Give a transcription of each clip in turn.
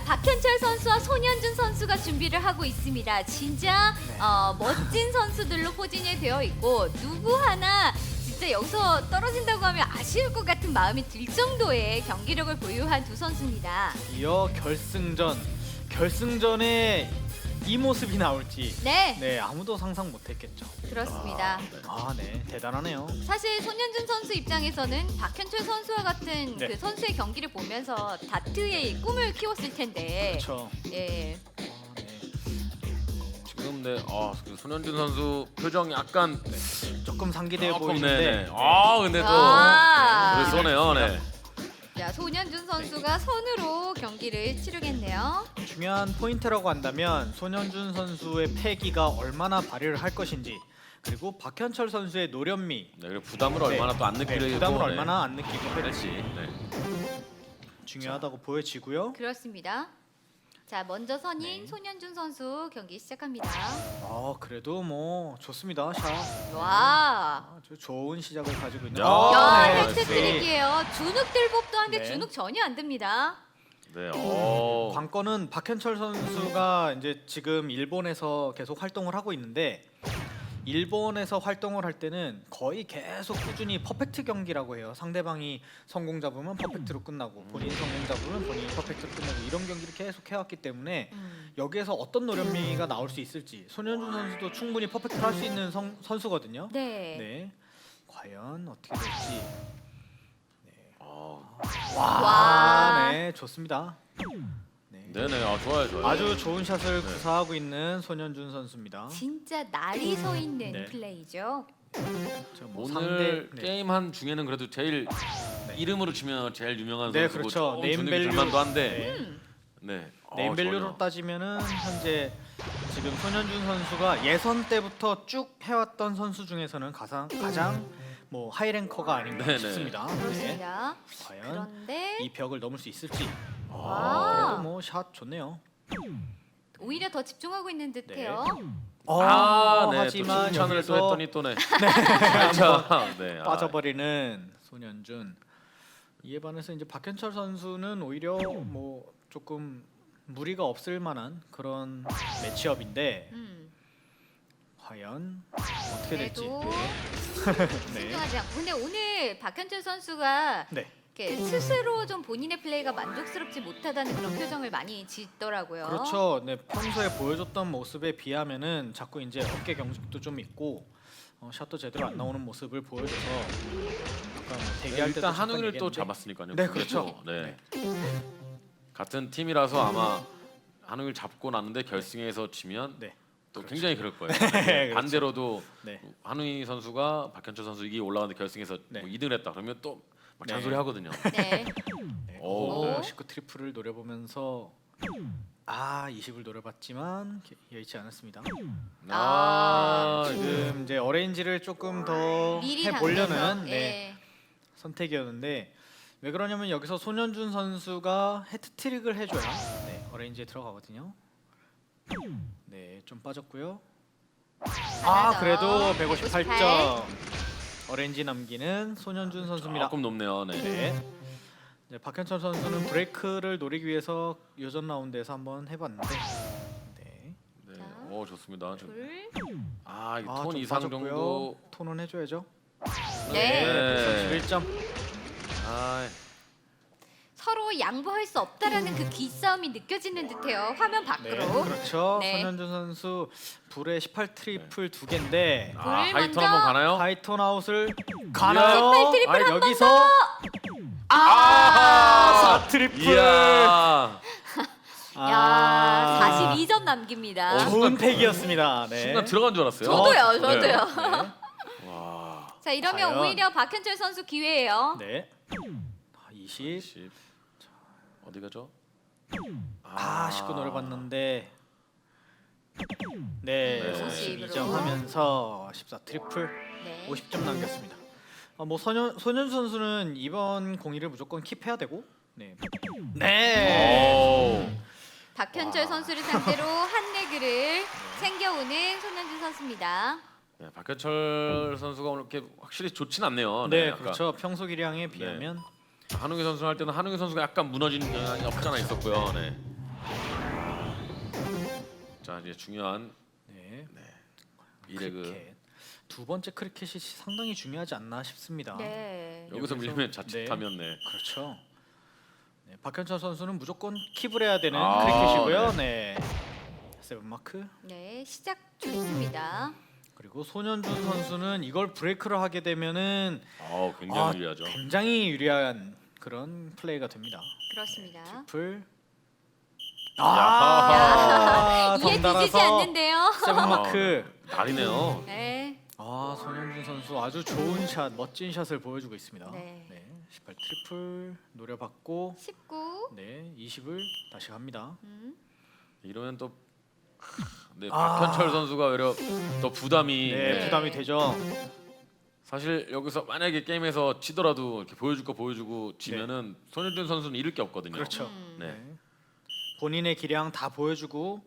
박현철 선수와 손현준 선수가 준비를 하고 있습니다. 진짜 멋진 선수들로 포진이 되어 있고 누구 하나 진짜 여기서 떨어진다고 하면 아쉬울 것 같은 마음이 들 정도의 경기력을 보유한 두 선수입니다. 이어 결승전에 이 모습이 나올지 네, 아무도 상상 못했겠죠. 그렇습니다. 네 대단하네요. 사실 손현준 선수 입장에서는 박현철 선수와 같은 네. 그 선수의 경기를 보면서 다트의 꿈을 키웠을 텐데 그렇죠. 예, 지금 그 손현준 선수 표정 약간 조금 상기돼 조금 보이는데 근데 또 아. 글을 쏘네요. 네. 자, 손현준 선수가 선으로 경기를 치르겠네요. 중요한 포인트라고 한다면 손현준 선수의 패기가 얼마나 발휘를 할 것인지, 그리고 박현철 선수의 노련미, 네, 그리고 부담을 얼마나 또 안 느끼려고 부담을 얼마나 안 느끼고 할지. 할지 네. 중요하다고 보여지고요. 그렇습니다. 자, 먼저 선인 네. 손현준 선수 경기 시작합니다. 그래도 뭐 좋습니다. 샷. 와, 아주 좋은 시작을 가지고 있는. 야, 네. 헤트트릭이에요. 주눅 들 법도 한데 네. 주눅 전혀 안 듭니다. 네. 관건은 박현철 선수가 이제 지금 일본에서 계속 활동을 하고 있는데, 일본에서 활동을 할 때는 거의 계속 꾸준히 퍼펙트 경기라고 해요. 상대방이 성공 잡으면 퍼펙트로 끝나고 본인이 성공 잡으면 본인이 퍼펙트로 끝나고 이런 경기를 계속 해왔기 때문에 여기에서 어떤 노련미가 나올 수 있을지, 손현준 선수도 충분히 퍼펙트를 할 수 있는 선수거든요. 네. 네, 과연 어떻게 될지. 와. 네, 좋습니다. 네. 네네. 좋아요. 아주 좋은 샷을 네. 구사하고 있는 손현준 선수입니다. 진짜 날이 서 있는 네. 플레이죠. 뭐 오늘 네. 게임 한 중에는 그래도 제일 이름으로 치면 제일 유명한 네, 선수고 그렇죠. 조금 주눅이 네임밸류. 들만도 한데. 음. 네. 네임밸류로 전혀. 따지면은 현재 지금 손현준 선수가 예선 때부터 쭉 해왔던 선수 중에서는 가장 뭐 하이랭커가 아닌가 네네. 싶습니다. 네. 그렇습니다. 과연 그런데 이 벽을 넘을 수 있을지. 와. 그래도 뭐 샷 좋네요. 오히려 더 집중하고 있는 듯해요. 네. 네. 하지만 또 칭찬을 또 여기서 했더니 또 네. 살짝 네. 빠져버리는 손현준. 이에 반해서 이제 박현철 선수는 오히려 뭐 조금 무리가 없을 만한 그런 매치업인데 과연 어떻게 될지. 그래도 네. 신중하지 않고. 근데 오늘 박현철 선수가 네. 이렇게 스스로 좀 본인의 플레이가 만족스럽지 못하다는 그런 표정을 많이 짓더라고요. 그렇죠. 네, 평소에 보여줬던 모습에 비하면은 자꾸 이제 어깨 경직도 좀 있고 샷도 제대로 안 나오는 모습을 보여줘서 약간 뭐 대기할 때도 일단 잠깐 한웅이를 또 얘기했는데. 잡았으니까요. 네, 그렇죠. 네. 같은 팀이라서 아마 한웅이를 잡고 났는데 결승에서 지면 네. 또 굉장히 그럴 거예요. 그렇죠. 반대로도 네. 한웅이 선수가 박현철 선수 이기 올라가는데 결승에서 네. 뭐 2등을 했다 그러면 또 막 네. 잔소리 하거든요. 네. 네. 오. 19 트리플을 노려보면서 20을 노려봤지만 여의치 않았습니다. 지금 이제 어레인지를 조금 더 미리 해보려는 당겨서, 선택이었는데, 왜 그러냐면 여기서 손현준 선수가 헤트트릭을 해줘야 어레인지에 들어가거든요. 네, 좀 빠졌고요. 하나 더. 그래도 158. 158점. 어레인지 남기는 손현준 선수입니다. 조금 높네요. 네. 네. 이제 박현철 선수는 브레이크를 노리기 위해서 요전 라운드에서 한번 해봤는데, 네. 네. 자. 좋습니다. 둘. 이톤 좀 이상 빠졌고요. 정도. 톤은 해줘야죠. 네. 111점. 서로 양보할 수 없다라는 그 기싸움이 느껴지는 듯해요. 화면 네, 밖으로. 그렇죠. 네. 손현준 선수 불에 18 트리플 2개인데 불 하이톤 먼저. 한번 가나요? 하이톤 아웃을 가나요? 18 트리플 한 여기서 4 트리플. 이야. 야, 42점 남깁니다. 좋은 팩이었습니다. 네. 순간 들어간 줄 알았어요. 저도요. 네. 와. 자, 이러면 과연. 오히려 박현철 선수 기회예요. 네. 20. 10. 어디 가죠? 19 노려봤는데 네, 50으로. 52점 하면서 14 트리플 네. 50점 남겼습니다. 뭐 손현준 선수는 이번 공일을 무조건 킵해야 되고, 네. 박현철 선수를 상대로 한 레그를 챙겨오는 손현준 선수입니다. 네, 박현철 선수가 오늘 이렇게 확실히 좋진 않네요. 네, 아까 그렇죠. 평소 기량에 비하면 한웅희 선수 할 때는 한웅희 선수가 약간 무너지는 경향이 없잖아 있었고요. 네. 자 이제 중요한 네. 2레그 크리켓. 두 번째 크리켓이 상당히 중요하지 않나 싶습니다. 네. 여기서 여기서- 밀리면 자칫하면 네. 그렇죠. 네, 박현철 선수는 무조건 킵을 해야 되는 아, 크리켓이고요. 네. 세븐 마크. 네, 시작 좋습니다. 그리고 손현준 선수는 이걸 브레이크를 하게 되면은 굉장히 유리하죠. 굉장히 유리한 그런 플레이가 됩니다. 그렇습니다. 풀. 야하. 이에 뒤지지 않는데요. 세븐 마크. 날이네요. 네. 손현준 선수 아주 좋은 샷, 멋진 샷을 보여주고 있습니다. 네. 18 트리플 노려봤고 19. 네, 20을 다시 갑니다. 이러면 또 박현철 선수가 오히려 더 부담이 네, 부담이 되죠. 사실 여기서 만약에 게임에서 치더라도 이렇게 보여줄 거 보여주고 지면은 손현준 선수는 잃을 게 없거든요. 그렇죠. 네. 네. 본인의 기량 다 보여주고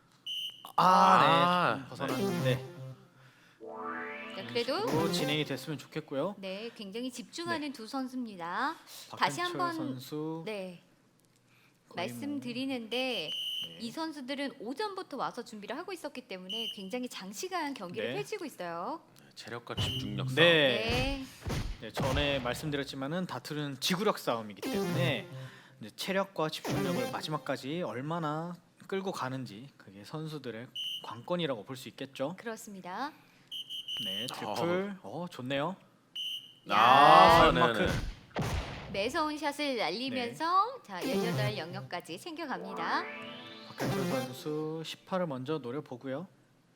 아, 네, 벗어났는데 자, 그래도 로 진행이 됐으면 좋겠고요. 네, 굉장히 집중하는 두 선수입니다. 다시 박현철 한번 선수 네. 거의 말씀드리는데 네. 이 선수들은 오전부터 와서 준비를 하고 있었기 때문에 굉장히 장시간 경기를 네. 펼치고 있어요. 체력과 집중력 싸움. 네. 네. 전에 말씀드렸지만은 다투는 지구력 싸움이기 때문에 이제 체력과 집중력을 마지막까지 얼마나 끌고 가는지 그게 선수들의 관건이라고 볼 수 있겠죠. 그렇습니다. 네, 트리플. 좋네요. 아, 세븐 마크. 네네. 매서운 샷을 날리면서 자 18 영역까지 챙겨갑니다. 박현철 선수 18을 먼저 노려보고요.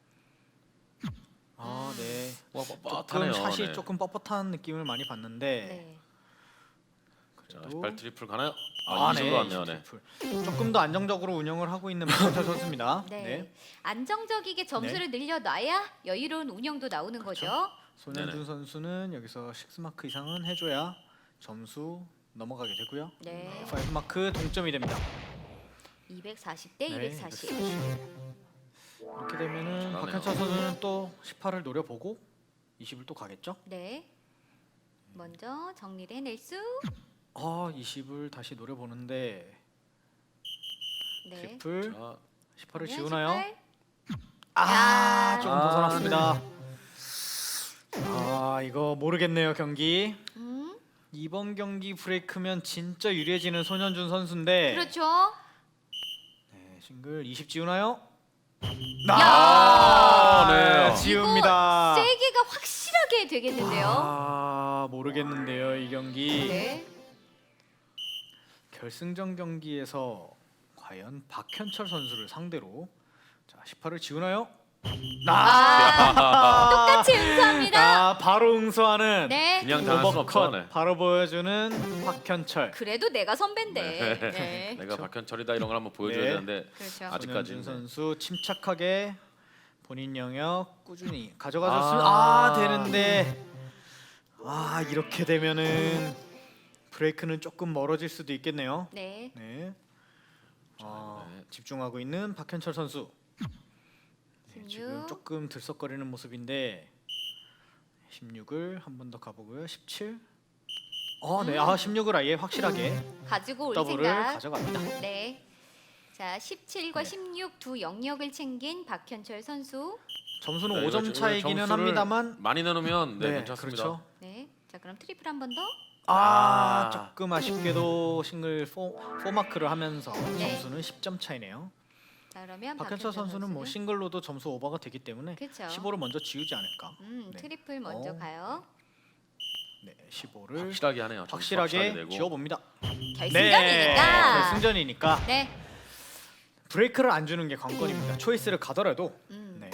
네. 와, 조금 뻣뻣하네요. 샷이 네. 조금 뻣뻣한 느낌을 많이 봤는데 네. 자, 그래도 18 트리플 가나요? 네, 이쪽으로 왔네요. 네. 트리플. 조금 더 안정적으로 운영을 하고 있는 박현철 선수입니다. 네. 네. 안정적이게 점수를 늘려놔야 여유로운 운영도 나오는 거죠. 손현준 네네. 선수는 여기서 6마크 이상은 해줘야 점수 넘어가게 되고요. 네. 5마크 동점이 됩니다. 240대 네, 240. 이렇게 되면은 잘하네요. 박현철 선수는 또 18을 노려보고 20을 또 가겠죠. 네. 먼저 정리를 해낼 수. 20을 다시 노려보는데 네. 트리플 자, 18을 그러면 지우나요? 18. 야. 조금 벗어났습니다. 이거 모르겠네요 경기. 이번 경기 브레이크면 진짜 유리해지는 손현준 선수인데 그렇죠. 네, 싱글 20 지우나요? 네. 지웁니다. 이거 세기가 확실하게 되겠는데요. 모르겠는데요 이 경기. 네. 결승전 경기에서 과연 박현철 선수를 상대로 자 18을 지우나요? 똑같이 응수합니다. 바로 응수하는 네. 그냥 당할 순 없죠. 오버컷 네. 바로 보여주는 박현철. 그래도 내가 선배인데. 네. 내가 박현철이다 이런 걸 한번 보여줘야 네. 되는데 그렇죠. 아직까지는. 손현준 선수 침착하게 본인 영역 꾸준히 가져가줬으면 되는데 이렇게 되면은 브레이크는 조금 멀어질 수도 있겠네요. 네. 네. 네. 집중하고 있는 박현철 선수. 네, 16. 지금 조금 들썩거리는 모습인데 16을 한 번 더 가보고요. 17. 네. 16을 아예 확실하게 가지고 올 더블을 생각. 가져갑니다. 네. 자, 17과 네. 16 두 영역을 챙긴 박현철 선수. 점수는 네, 5점 이거 차이기는 점수를 합니다만 많이 나누면 괜찮습니다. 그렇죠. 네. 자, 그럼 트리플 한 번 더. 조금 아쉽게도 싱글 4마크를 하면서 네. 점수는 10점 차이네요. 자, 그러면 박현철 선수는 뭐 싱글로도 점수 오버가 되기 때문에 그렇죠. 15를 먼저 지우지 않을까. 네. 트리플 먼저 가요. 네, 15를 확실하게 하네요. 점수 확실하게 내고. 지워봅니다. 결승전이니까. 결승전이니까 네. 브레이크를 안 주는 게 관건입니다. 초이스를 가더라도 네.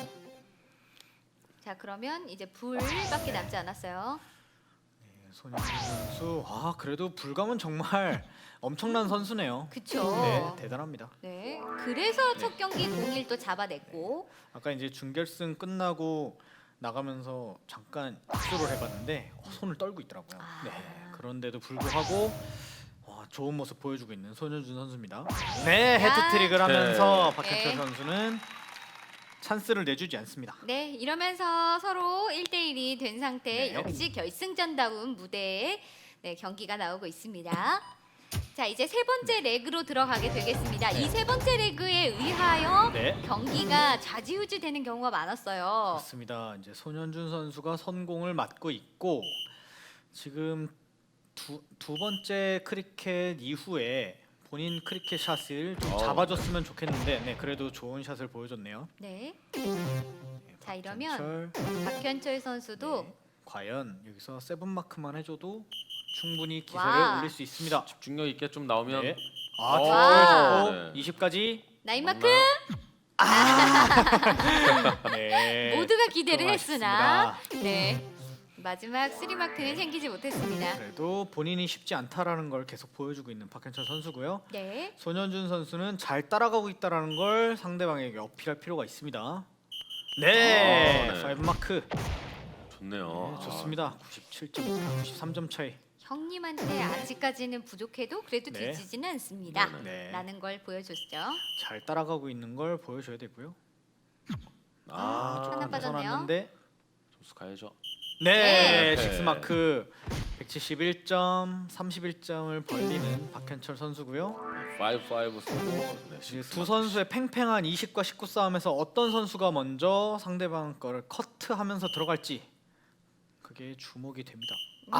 자, 그러면 이제 불밖에 남지 않았어요. 손현준 선수 그래도 불감은 정말 엄청난 선수네요. 그쵸. 네, 대단합니다. 네. 그래서 첫 경기 0-1또 잡아냈고. 아까 이제 준결승 끝나고 나가면서 잠깐 입수를 해봤는데 손을 떨고 있더라고요. 네, 그런데도 불구하고 좋은 모습 보여주고 있는 손현준 선수입니다. 네, 헤트트릭을 하면서 네. 박현철 네. 선수는 찬스를 내주지 않습니다. 네, 이러면서 서로 1대1이 된 상태. 네. 역시 결승전다운 무대에 네, 경기가 나오고 있습니다. 자, 이제 세 번째 레그로 들어가게 되겠습니다. 이 세 번째 레그에 의하여 네. 경기가 좌지우지 되는 경우가 많았어요. 맞습니다. 이제 손현준 선수가 선공을 맡고 있고 지금 두 번째 크리켓 이후에 본인 크리켓 샷을 좀 잡아줬으면 좋겠는데 네, 그래도 좋은 샷을 보여줬네요. 네. 네, 자, 이러면 박현철. 박현철 선수도 네, 과연 여기서 세븐 마크만 해줘도 충분히 기세를 와. 올릴 수 있습니다. 집중력 있게 좀 나오면 네. 와. 아, 네. 20까지. 나인마크 네. 모두가 기대를 좀 했으나 아쉽습니다. 네. 마지막 3마크는 생기지 못했습니다. 그래도 본인이 쉽지 않다라는 걸 계속 보여주고 있는 박현철 선수고요. 네. 손현준 선수는 잘 따라가고 있다라는 걸 상대방에게 어필할 필요가 있습니다. 네, 네. 5 마크. 좋네요. 네, 좋습니다. 97점, 93점 차이. 형님한테 아직까지는 부족해도 그래도 네. 뒤지지는 않습니다. 네. 라는 걸 보여줬죠. 잘 따라가고 있는 걸 보여줘야 되고요. 아, 조금 하나 빠졌네요. 벗어났는데. 점수 가야죠. 네, 네. 6 마크. 171점, 31점을 벌리는 박현철 선수고요. 5-5 쓰고 네, 이제 식스 두 마크. 선수의 팽팽한 20과 19 싸움에서 어떤 선수가 먼저 상대방 거를 커트하면서 들어갈지 그게 주목이 됩니다.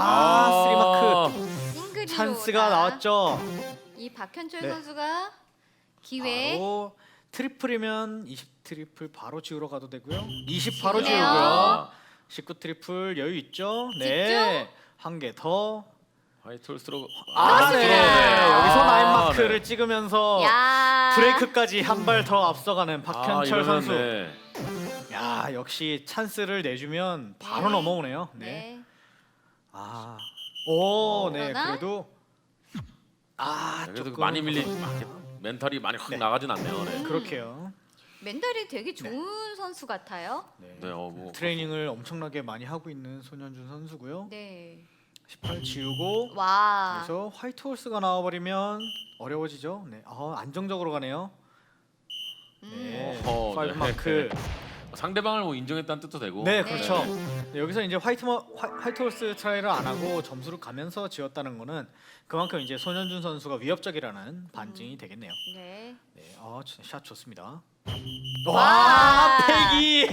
아, 3 마크. 싱글이 찬스가 나왔죠. 이 박현철 네. 선수가 기회. 바로 트리플이면 20 트리플 바로 지우러 가도 되고요. 20 바로 지우네요. 지우고요. 19 트리플 여유 있죠? 네. 한 개 더. 화이트 홀스로 네. 여기서 나인 마크를 찍으면서 야. 브레이크까지 한 발 더 앞서가는 박현철 선수. 네. 야, 역시 찬스를 내주면 바로 네. 넘어오네요. 네. 네. 아. 오, 네. 그러나? 그래도 그래도 조금 많이 밀리 멘탈이 많이 확 네. 나가진 않네요. 네. 그렇게요. 멘탈이 되게 좋은 선수 같아요. 네. 네, 뭐 트레이닝을 엄청나게 많이 하고 있는 손현준 선수고요. 네. 18 지우고 와. 그래서 화이트 홀스가 나와버리면 어려워지죠. 네, 안정적으로 가네요. 네, 어허, 5 네. 마크. 상대방을 뭐 인정했다는 뜻도 되고. 네, 네. 그렇죠. 네, 여기서 이제 화이트 홀스 트라이를 안 하고 점수를 가면서 지었다는 거는 그만큼 이제 손현준 선수가 위협적이라는 반증이 되겠네요. 네. 네, 샷 좋습니다. 와. 와, 패기.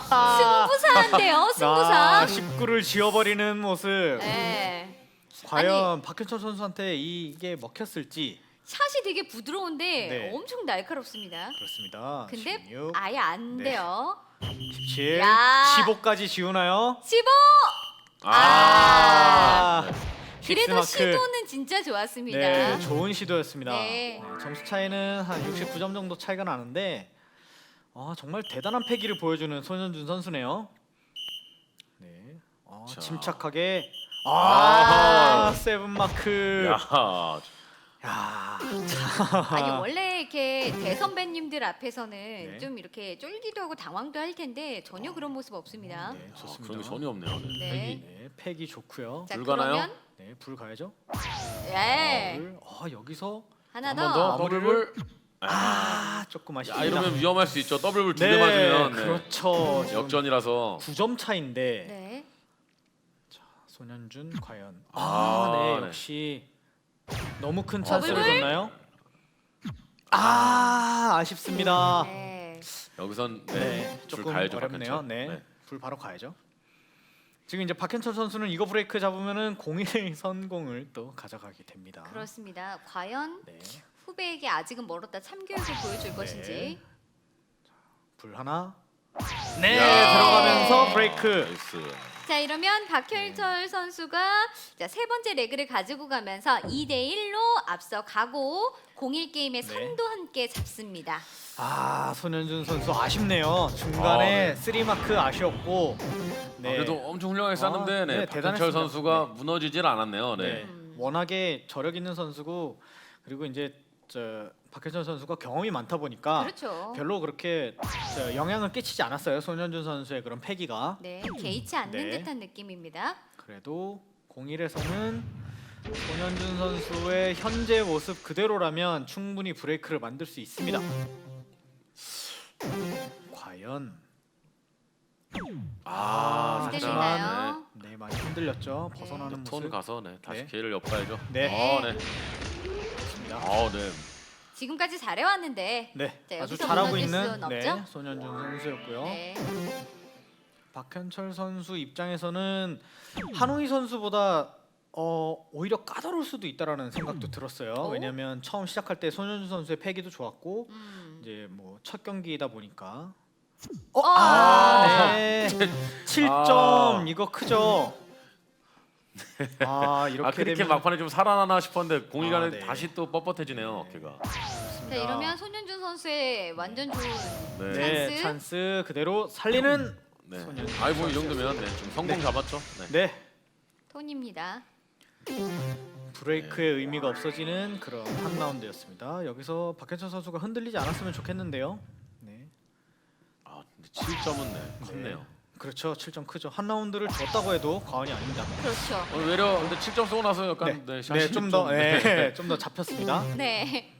승부사인데요, 승부사. 19를 지워버리는 모습. 네. 과연 박현철 선수한테 이게 먹혔을지. 샷이 되게 부드러운데 네. 엄청 날카롭습니다. 그렇습니다. 근데 16, 아예 안 네. 돼요. 17, 야. 15까지 지우나요? 15. 아, 그래도 마크. 시도는 진짜 좋았습니다. 네, 좋은 시도였습니다. 네. 네, 점수 차이는 한 69점 정도 차이가 나는데 정말 대단한 패기를 보여주는 손현준 선수네요. 네, 자. 침착하게 아하. 세븐 마크. 야, 야, 아니 원래 이렇게 대선배님들 앞에서는 네. 좀 이렇게 쫄기도 하고 당황도 할 텐데 전혀 그런 모습 없습니다. 네, 좋습니다. 그런 게 전혀 없네요. 네. 네. 패기. 네, 패기 좋고요. 자, 불 가나요? 그러면 네, 불 가야죠. 예. 불. 여기서 하나 한 더. 번 더 마무리를. 더블불. 조금 야, 아쉽습니다. 이러면 위험할 수 있죠. 더블불 두 개 네, 맞으면 네. 그렇죠. 지금 역전이라서. 9점 차인데 네. 손현준 과연 아, 네, 네. 역시 너무 큰 찬스를 더블불? 줬나요? 아쉽습니다. 네. 여기선 네, 네, 불 조금 가야죠. 어렵네요. 박현철. 네, 불 바로 가야죠. 지금 이제 박현철 선수는 이거 브레이크 잡으면은 01 선공을 또 가져가게 됩니다. 그렇습니다. 과연 네, 후배에게 아직은 멀었다 참교육을 보여줄 것인지. 불 하나. 네, 야. 들어가면서 브레이크. 나이스. 자 이러면 박현철 선수가 자, 세 번째 레그를 가지고 가면서 2대 1로 앞서가고 01 게임의 네. 선도 함께 잡습니다. 손현준 선수 아쉽네요. 중간에 3 마크 아쉬웠고. 네. 그래도 엄청 훌륭하게 쌌는데 네, 네, 박현철 대단했습니다. 선수가 네. 무너지질 않았네요. 네. 네. 워낙에 저력 있는 선수고 그리고 이제 박현철 선수가 경험이 많다 보니까 그렇죠. 별로 그렇게 영향을 끼치지 않았어요. 손현준 선수의 그런 패기가. 네, 개의치 않는 네. 듯한 느낌입니다. 그래도 01에서는 손현준 선수의 현재 모습 그대로라면 충분히 브레이크를 만들 수 있습니다. 과연 흔들리나요? 네, 많이 흔들렸죠. 벗어나는 톤 모습. 가서 네, 다시 네. 기회를 엿봐야죠. 네. 네. 되었습니다. 네. 지금까지 잘해왔는데 네, 자, 아주 여기서 잘하고 무너질 있는 수는 네, 없죠? 손현준 선수였고요. 네. 박현철 선수 입장에서는 한웅희 선수보다 오히려 까다로울 수도 있다라는 생각도 들었어요. 오? 왜냐하면 처음 시작할 때 손현준 선수의 패기도 좋았고 이제 뭐 첫 경기이다 보니까 네. 7점 이거 크죠. 이렇게 그렇게 되면 막판에 좀 살아나나 싶었는데 공이간에 네. 다시 또 뻣뻣해지네요. 어깨가. 자, 이러면 손현준 선수의 완전 좋은 네, 찬스. 찬스 그대로 살리는 네. 손현준 아이 뭐이 정도면 좀 성공 네. 잡았죠. 네. 네. 톤입니다. 브레이크의 의미가 없어지는 그런 한 라운드였습니다. 여기서 박현철 선수가 흔들리지 않았으면 좋겠는데요. 네. 근데 7점은 컸네요. 그렇죠. 7점 크죠. 한 라운드를 줬다고 해도 과언이 아닙니다. 그렇죠. 오늘 외려 근데 7점 쏘고 나서 약간 샷이 좀 더 좀 더 잡혔습니다. 네.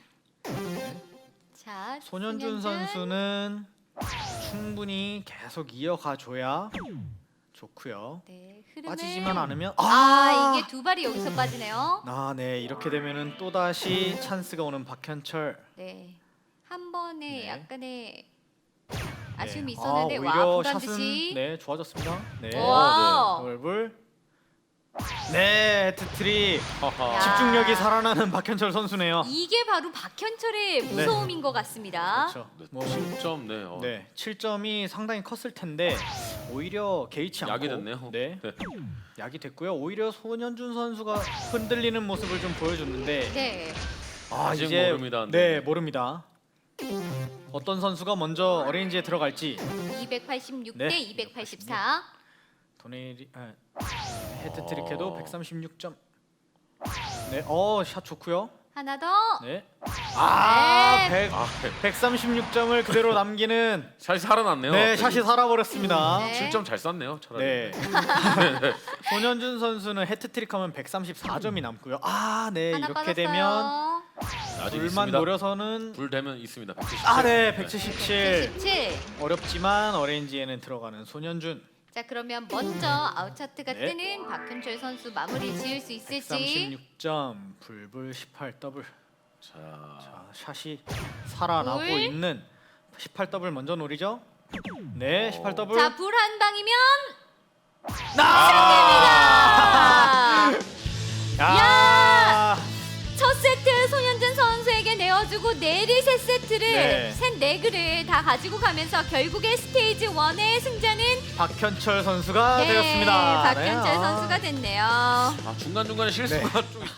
자, 손현준 선수는 충분히 계속 이어가 줘야 좋고요. 네, 흐름을 빠지지만 않으면 이게 두 발이 여기서 빠지네요. 네. 이렇게 되면은 또 다시 찬스가 오는 박현철. 네. 한 번에 네. 약간의 아쉬움이 네. 있었는데 와, 오히려 보단 샷은 듯이. 좋아졌습니다. 네. 와. 얼굴. 네, 헤트트릭. 하하. 집중력이 살아나는 박현철 선수네요. 이게 바로 박현철의 무서움인 것 같습니다. 그렇죠. 네, 뭐 7점 네, 7점이 상당히 컸을 텐데 오히려 개의치 않고 약이 됐네요. 네, 약이 됐고요. 오히려 손현준 선수가 흔들리는 모습을 좀 보여줬는데 네. 아직 이제 모릅니다. 네, 모릅니다. 어떤 선수가 먼저 어레인지에 들어갈지. 286 네. 대 284. 도네리 헤트트릭해도 136점. 네, 샷 좋고요. 하나 더. 네. 네. 136점을 그대로 남기는 샷이 살아났네요. 네, 샷이 살아버렸습니다. 네. 7점 잘 쐈네요. 차라리. 네. 손현준 선수는 헤트트릭하면 134점이 남고요. 네, 하나 이렇게 빠졌어요. 되면 아직 불만 있습니다. 노려서는 불 되면 있습니다. 177. 네, 177. 77. 어렵지만 어레인지에는 들어가는 손현준. 자, 그러면 먼저 아웃차트가 네. 뜨는 박현철 선수 마무리 지을 수 있을지. 136점, 불불 18 더블. 자, 샷이 살아나고 불. 있는 18 더블 먼저 노리죠. 네, 18 더블. 자, 불 한 방이면 야! 첫 세트 손현준 선수에게 내어주고 내리 세 세트를 네. 셋 네그를 다 가지고 가면서 결국에 스테이지 1의 승자는 박현철 선수가 되었습니다. 박현철 네, 선수가 됐네요. 중간 중간에 실수가 좀